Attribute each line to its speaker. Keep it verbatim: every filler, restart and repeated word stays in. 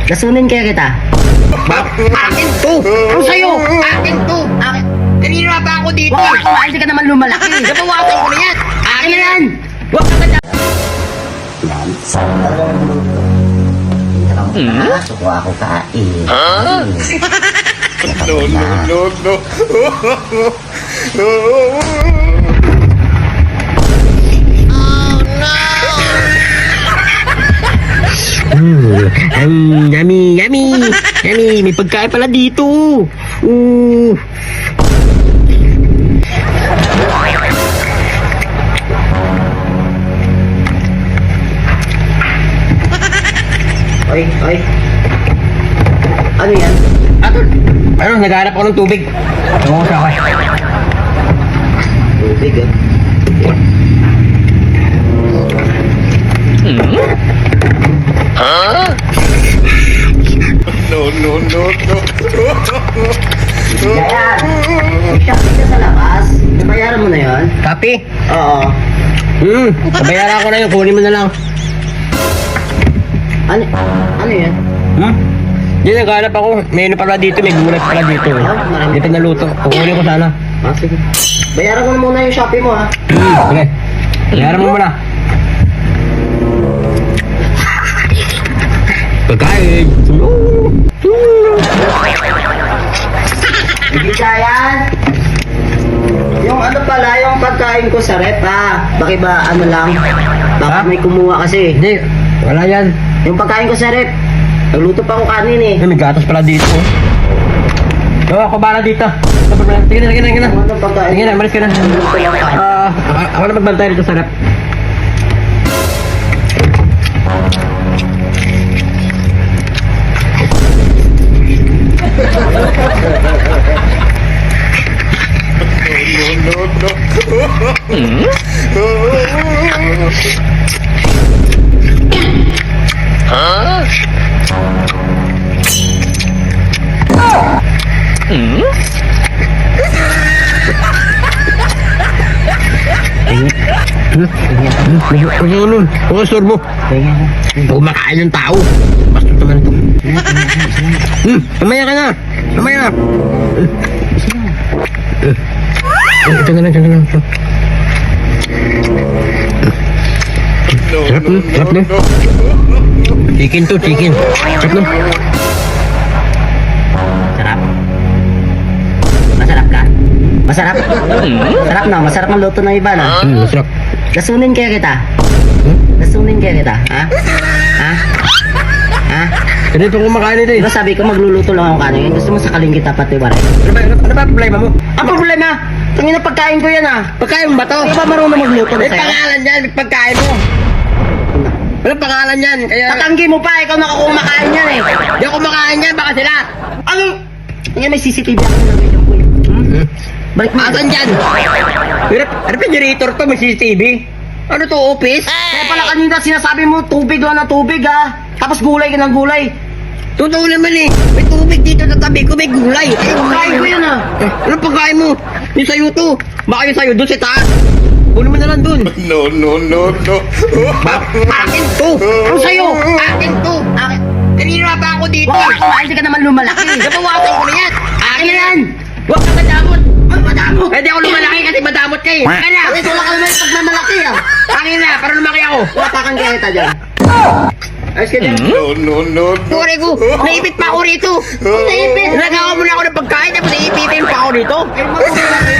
Speaker 1: Lasunin kaya kita.
Speaker 2: Akin to! Ano sa'yo? Akin to! Akin! Kanina pa ako dito!
Speaker 1: Wag ka, hindi ka naman lumalaki.
Speaker 2: Nabawasan ko na yan!
Speaker 1: Akin na yan!
Speaker 2: Huwag ka na!
Speaker 1: Hmm? Suko ako kain.
Speaker 2: Huh?
Speaker 3: No, no, no, no.
Speaker 1: Hmm, ang yummy, yummy, yummy, may pagkain pala dito. Uh. Oy, oy. Ano yan?
Speaker 2: Ato! Ano? Naghanap ako ng tubig. Tungo sa ako.
Speaker 1: Tubig ah.
Speaker 2: Huh?
Speaker 3: No, no, no, no.
Speaker 1: Kaya, may shopping ka sa labas. Nabayaran mo na yon?
Speaker 2: Kapi?
Speaker 1: Oo.
Speaker 2: Hmm, nabayaran ko na yun. Kunin mo na lang.
Speaker 1: Ano, ano yan?
Speaker 2: Hmm? Hindi, naghanap ako. May ano pala dito, may gulay pala dito.
Speaker 1: Ah, marami.
Speaker 2: Dito naluto. Kukunin ko sana.
Speaker 1: Ah, sige. Bayaran ko na muna yung Shopee mo ha.
Speaker 2: Hmm, sige. Bayaran mo muna. Pagkain.
Speaker 1: Hindi yan. Yung ano pala, yung pagkain ko sa rep ha. Bakit ba ano lang? Baka
Speaker 2: Ha?
Speaker 1: may kumuha kasi.
Speaker 2: Hindi, wala yan.
Speaker 1: Yung pagkain ko sa rep, nagluto pa ako kanin eh.
Speaker 2: Ay, may gatas pala dito. Oo, ako bala dito. Sige na, sige na, sige na.
Speaker 1: Ano pagkain?
Speaker 2: Sige na, malis ka na.
Speaker 1: Nagluto lang kanin.
Speaker 2: Ah, ako- ako na magbantay dito sa rep.
Speaker 3: No, no, no.
Speaker 2: Ano yun? Ano store mo? Kumakain ng tao. Basta naman ito. Hmm, mamaya ka na. Mamaya na. Eh, Ito na lang, ito na lang. Ito.
Speaker 3: No,
Speaker 2: Sarap
Speaker 3: no,
Speaker 2: na, sarap na.
Speaker 3: no, no.
Speaker 2: Chicken to, chicken. Sarap na.
Speaker 1: Sarap. Masarap ka? Masarap? Masarap na, masarap ang luto ng iba na.
Speaker 2: Hmm, masarap.
Speaker 1: Lasunin kaya kita. Lasunin kaya kita, ha? Ha? Ha?
Speaker 2: Ganito kumakain ito eh.
Speaker 1: Diba sabi ko magluluto lang ako kanin, gusto mo sakaling kita pati waray?
Speaker 2: Ano ba, ano, ano ba problema mo?
Speaker 1: Ang problema, tangin na pagkain ko yan ah.
Speaker 2: Pagkain mo ba to?
Speaker 1: Di ba marunong magluto na
Speaker 2: May
Speaker 1: sa'yo?
Speaker 2: pangalan yan, may pagkain mo. Walang pangalan yan, kaya...
Speaker 1: Tatanggi mo pa, ikaw nakakumakain yan eh.
Speaker 2: Di ako kumakain yan, baka sila.
Speaker 1: Ano? Ngayon may C C T V ako nilagay dyan, kuya. Hmm? Balik mo.
Speaker 2: Asan dyan? Pero, ano pa generator to, may C C T V? Ano to, office?
Speaker 1: Kaya pala kanina sinasabi mo tubig lang na tubig ah. Tapos gulay ka ng gulay.
Speaker 2: Totoo naman eh. May tubig dito sa tabi ko, may gulay. Eh,
Speaker 1: Pagkain ko yan ah.
Speaker 2: Eh, ano pagkain mo? Yung sa'yo to. Baka yung sa'yo doon sa taas. Kunin mo na lang doon.
Speaker 3: No, no, no, no.
Speaker 2: Akin to! Ano sa'yo? Akin to! Akin. Kanina pa ako dito.
Speaker 1: Wag ka, hindi ka naman lumalaki.
Speaker 2: Nabawasan ko na yan.
Speaker 1: Akin na yan.
Speaker 2: Huwag ka madamot. Huwag madamot. Pwede ako lumalaki kasi madamot ka eh. Akin na.
Speaker 1: Bakit wala ka naman pagmamalaki ah.
Speaker 2: Akin na, para lumaki ako.
Speaker 1: Watakan kaya kita dyan. Ayos ka dyan.
Speaker 3: No, no, no, no.
Speaker 2: Pure ko, naipit pa ako rito.
Speaker 1: Naipit.
Speaker 2: Nagawa mo na ako ng pagkain tapos naipitin pa ako dito.
Speaker 1: Ay, matulog na kayo.